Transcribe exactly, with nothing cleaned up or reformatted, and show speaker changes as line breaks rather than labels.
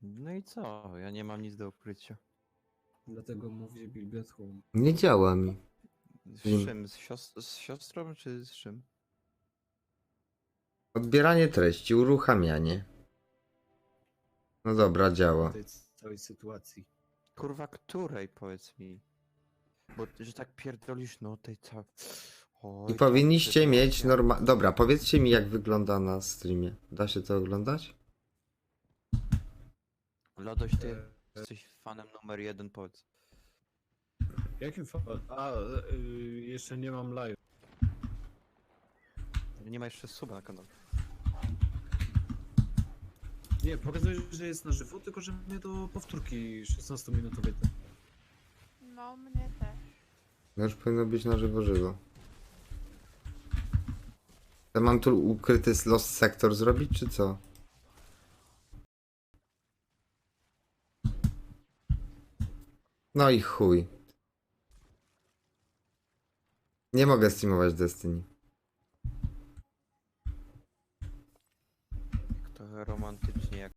No i co? Ja nie mam nic do ukrycia.
Dlatego mówię Build at Home.
Nie działa mi.
Z
Nie-
czym? Z, sios- z siostrą czy z czym?
Odbieranie treści, uruchamianie. No dobra, działa.
W tej całej sytuacji.
Kurwa, której powiedz mi? Bo że tak pierdolisz, no tej całej...
I powinniście mieć norma... Dobra, powiedzcie mi jak wygląda na streamie. Da się to oglądać?
Lodoś, ty jesteś fanem numer jeden, powiedz.
Jakim fa... A, y, jeszcze nie mam live.
Nie ma jeszcze suba na kanale.
Nie, pokazuje, że jest na żywo, tylko że mnie do powtórki szesnastominutowej.
No, mnie też.
No już powinno być na żywo żywo. To mam tu ukryty Lost Sector zrobić, czy co? No i chuj. Nie mogę streamować Destiny.
Trochę romantycznie jak